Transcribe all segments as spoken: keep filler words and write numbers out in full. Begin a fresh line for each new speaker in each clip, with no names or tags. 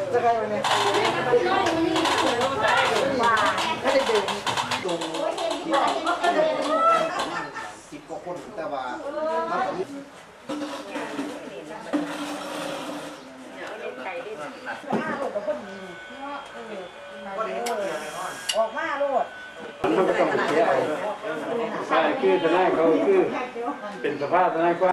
จะใครวันนี้ว่าถ้าได้เดินตรงสิบกว่าคนแต่ว่าออกมาโลด
มันก็ต้องเสียใช่คือทนายเขาคือเป็นสภาพทนายกว่า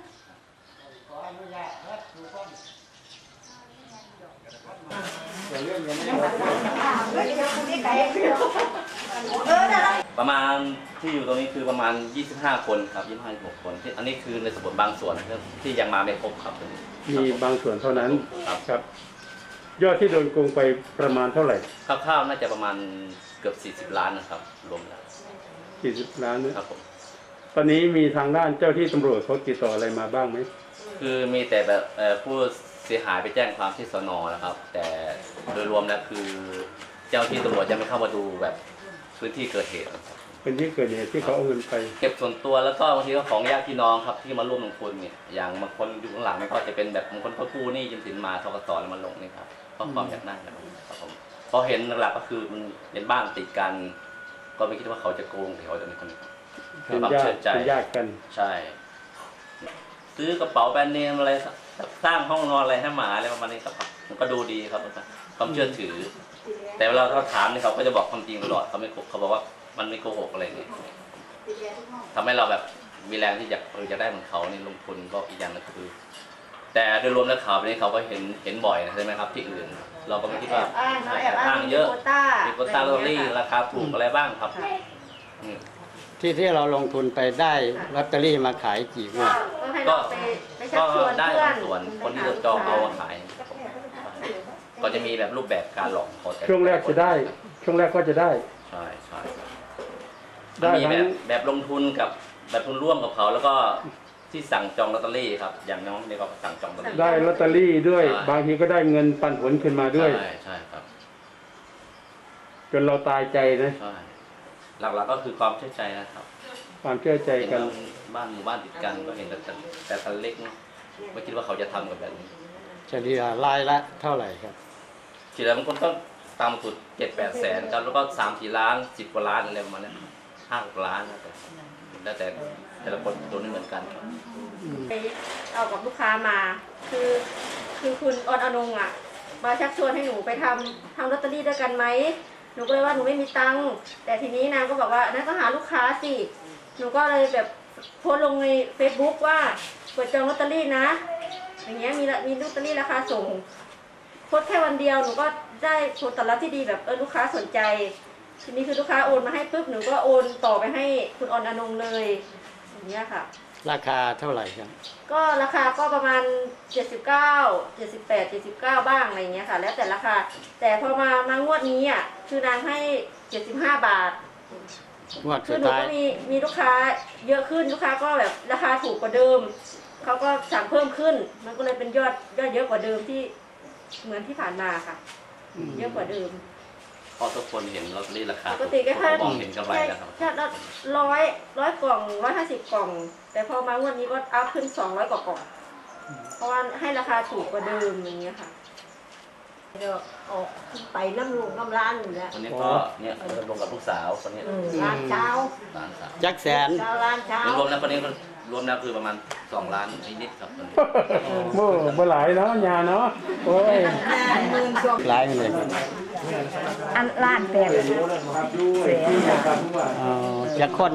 ประมาณที่อยู่ตรงนี้คือประมาณยี่สิบห้าคนครับยี่สิบห้า ยี่สิบหกคนอันนี้คือในสมุดบางส่วนที่ยังมาไม่ครบครับ
มีบางส่วนเท่านั้นครับยอดที่โดนโกงไปประมาณเท่าไหร่
คร่าวๆน่าจะประมาณเกือบสี่สิบล้านนะครับรวมแล้ว
สี่สิบล้าน
ครับผม
ตอนนี้มีทางด้านเจ้าที่ตำรวจเขาติดต่ออะไรมาบ้างไหม
คือมีแต่แบบผู้เสียหายไปแจ้งความที่สน.นะครับแต่โดยรวมแล้วคือเจ้าที่ตำรวจยังไม่เข้ามาดูแบบพื้นที่เกิดเหตุ
เป็นที่เกิดเหตุที่เขาเอาเงินไป
เก็บส่วนตัวแล้วก็บางทีก็ของญาติพี่น้องครับที่มาร่วมลงทุนเนี่ยอย่างบางคนอยู่ข้างหลังก็จะเป็นแบบบางคนเขากู้หนี้ยืมสินมาธกส.แล้วมาลงนี่ครับเพราะความอยากได้ครับผมพอเห็นหลักก็คือมันเป็นบ้านติดกันก็ไม่คิดว่าเขาจะโกงเขาจะเป็นคน
เป็นญาติเป็นญาติกัน
ใช่ซื้อกระเป๋าแบรนด์เนมอะไรสร้างห้องนอนอะไรให้หมาอะไรประมาณนี้ครับมันก็ดูดีครับความเชื่อถือแต่เวลาเขาถามนี่เขาก็จะบอกความจริงตลอดเขาไม่เขาบอกว่ามันไม่โกหกอะไรเนี่ยทำให้เราแบบมีแรงที่อยากเออจะได้เหมือนเขานี่ลงทุนก็อีกอย่างนึงคือแต่โดยรวมแล้วข่าวนี้เขาก็เห็นเห็นบ่อยใช่ไหมครับที่อื่นเราก็ไม่คิดว่าอ้างเยอะมีโควต้าลอตเตอรี่ราคาถูกอะไรบ้างครับ
ที่ที่เราลงทุนไปได้ลอตเตอรี่มาขายกี่งวด
ก็ก็ได้บางส่วนคนที่จะจองเอามาขายก็จะมีแบบรูปแบบการหลอกเขา
ช่วงแรกจะได้ช่วงแรกก็จะได้
ใช่ใช่มีแบบแบบลงทุนกับแบบทุนร่วมกับเขาแล้วก็ที่สั่งจองลอตเตอรี่ครับอย่างน้องนี่ก็สั่งจองลอตเตอรี่
ได้ลอตเตอรี่ด้วยบางทีก็ได้เงินปันผลขึ้นมาด้วย
ใช่ใช่ครับ
จนเราตายใจนะ
ใช่หลักๆก็คือความเชื่อใจนะครับ
ความเชื่อใจกัน
บ้านหมู่บ้านติดกันก็เห็นแต่แต่คันเล็กไม่คิดว่าเขาจะทำกับแบบนี้
เฉลี่ยรายละเท่าไหร่ครับ
เฉลี่ยบางคนก็ตามสุดเจ็ดแปดแสนครับแล้วก็สามสี่ล้านสิบกว่าล้านอะไรประมาณนี้ห้าหกล้านแล้วแต่แต่ละคนโดนไม่เหมือนกันครับ
ไปเอากับลูกค้ามาคือคือคุณออนอนงอ่ะมาชักชวนให้หนูไปทำทำลอตเตอรี่ด้วยกันไหมหนูก็เลยว่าหนูไม่มีตังค์แต่ทีนี้นางก็บอกว่านั่นก็หาลูกค้าสิหนูก็เลยแบบโพสลงใน เฟซบุ๊ก ว่าเปิดจองลอตเตอรี่นะอย่างเงี้ยมีมีลอตเตอรี่ราคาส่งโพสแค่วันเดียวหนูก็ได้ผลตอบรับที่ดีแบบเออลูกค้าสนใจทีนี้คือลูกค้าโอนมาให้ปุ๊บหนูก็โอนต่อไปให้คุณออนอนงเลยอย่างเงี้ยค่ะ
ราคาเท่าไหร่ครับ
ก็ราคาก็ประมาณเจ็ดสิบเก้า เจ็ดสิบแปด เจ็ดสิบเก้าบ้างอะไรเงี้ยค่ะแล้วแต่ราคาแต่พอมามางวดนี้อ่ะคือนางให้เจ็ดสิบห้าบาท
งวด
คือหนูก็มีมีลูกค้าเยอะขึ้นลูกค้าก็แบบราคาถูกกว่าเดิมเขาก็สั่งเพิ่มขึ้นมันก็เลยเป็นยอดยอดเยอะกว่าเดิมที่เหมือนที่ผ่านมาค่ะเยอะกว่าเดิม
เพราะทุกคนเห็นลอตเตอรี่ราคา
ปกติแค่
มองเห็นกำไรแล้วครับ
แค่ร้อยร้อยกล่องร้อยห้าสิบกล่องแต่พอมางวดนี้ก็อัพขึ้นสองร้อยกว่ากล่องเพราะว่าให้ราคาถูกกว่าเดิมอย่างเงี้ยค่ะ
เดี๋ยวออกไปน้ำลูกน้ำร้านอยู่แล้ว
คนนี้ก็เนี่ยรวมกับลูกสาวคนนี้
ร้านเช้า
ร้านสาว
จักแสน
ร้านเช้าร
วมแล้วคนนี้รวมแล้วคือประมาณสองล้านนิดๆครับ
เมื่อเมื่อหลายเนาะยาเนาะโอ้ย
หลายเลย
อันล้านแปดเสีย
จักคน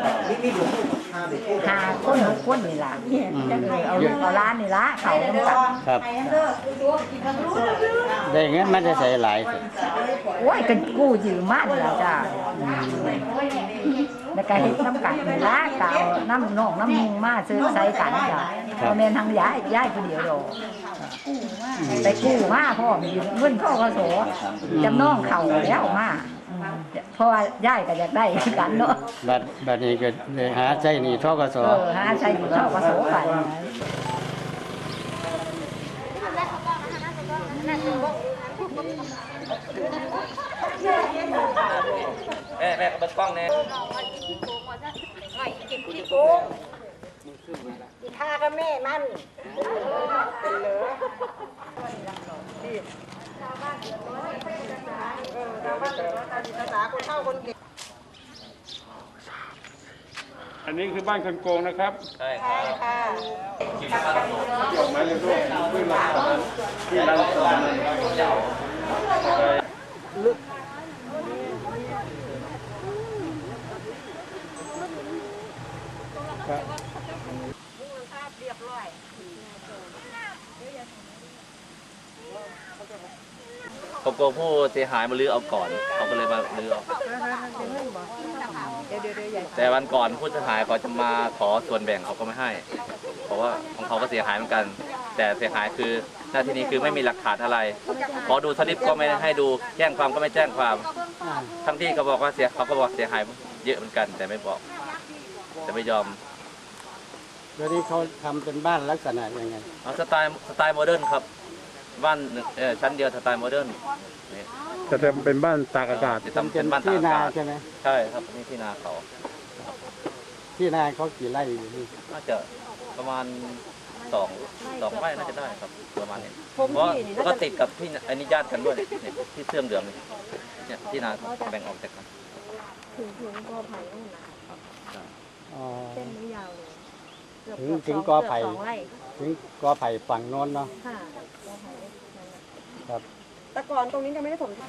หาคนหกคนนี่ล่ะเอาลูกเอาล้านนี่ละเขาต้องตัด
ครับได้เงินมันจะใส่หลาย
โอ้ยกันกู้ยืมมากแล้วจ้าในการเห็นน้ำกัดนี่ละเก่าน้ำนองน้ำมุงมาซื้อใส่กันจ้ะพอเมนทางย้ายย้ายคนเดียวดอกไปกู้มาพ่อมีเงินพ่อกระโสจำนองเข่าแล้วมาเพราะว่าย้ายก็อยากได้กันเนาะ
บัดบัดนี้ก็หาใช้หนี้ทกส
เออหาใช้หนี้ทกสไป
แม่แม่ก็เปิดกล้องแน่
ที่โกงที่ท่ากับแม่มันเป็นเหลือ
คนเฒ่าคนแก่
อันนี้คือบ้านคนโกงนะครับ
ใช่ครับ
ค่ะ
คิวบ้านโต
ที่ออกมาเรื่อยๆที่รักษาที่รักษาลึก
เขากลัวผู้เสียหายมาลื้อเอาก่อนเขาก็เลยมาลื้อเอาแต่วันก่อนผู้เสียหายเขาจะมาขอส่วนแบ่งเขาก็ไม่ให้ เพราะว่าของเขาก็เสียหายเหมือนกัน แต่เสียหายคือหน้าที่นี้คือไม่มีหลักฐานอะไรขอดูสลิปก็ไม่ให้ดูแจ้งความก็ไม่แจ้งความ
อ่า
ทั้งที่เขาบอกว่าเสียเขาก็บอกเสียหายเยอะเหมือนกัน แต่ไม่บอกแต่ไม่ยอม
แล้วนี่เขาทำเป็นบ้านลักษณะยังไง
เอาสไตล์สไตล์โมเดิร์นครับบ้านหนึ่งเออชั้นเดียวสไตล์โมเดิร์นนี่
จะทำเป็นบ้านตากอากาศ
จะทำเป็นบ้านตา
ที่
ก
นา
อากาศ
ใช่ไหม
ใช่ครับนี่ที่นาเขา
ที่นาเขากี่ไร่อยู่นี่
น่าจะประมาณสองสองไร่น่าจะได้ครับประมาณนี้เพราะก็ติดกับที่อันนี้ญาติกันด้วยเนี่ยที่เสื่อมเหลืองนี่เนี่ยที่นาเขาแบ่งออกจากกัน
ถึงถึงกอไผ่นู่นนะ
อ๋อ
เส้นนี้ยาวเลยเกือบ
ถึง
เกือบ
ถึง
ส
กอไผ่
เกืบสองไร่
ถึงกอไผ่ฝั่งโน้นเนาะ
ค่ะกอไผ่นั่นน่ะ
ครับ
แต่ก่อนตรงนี้ยังไม่ได้ถม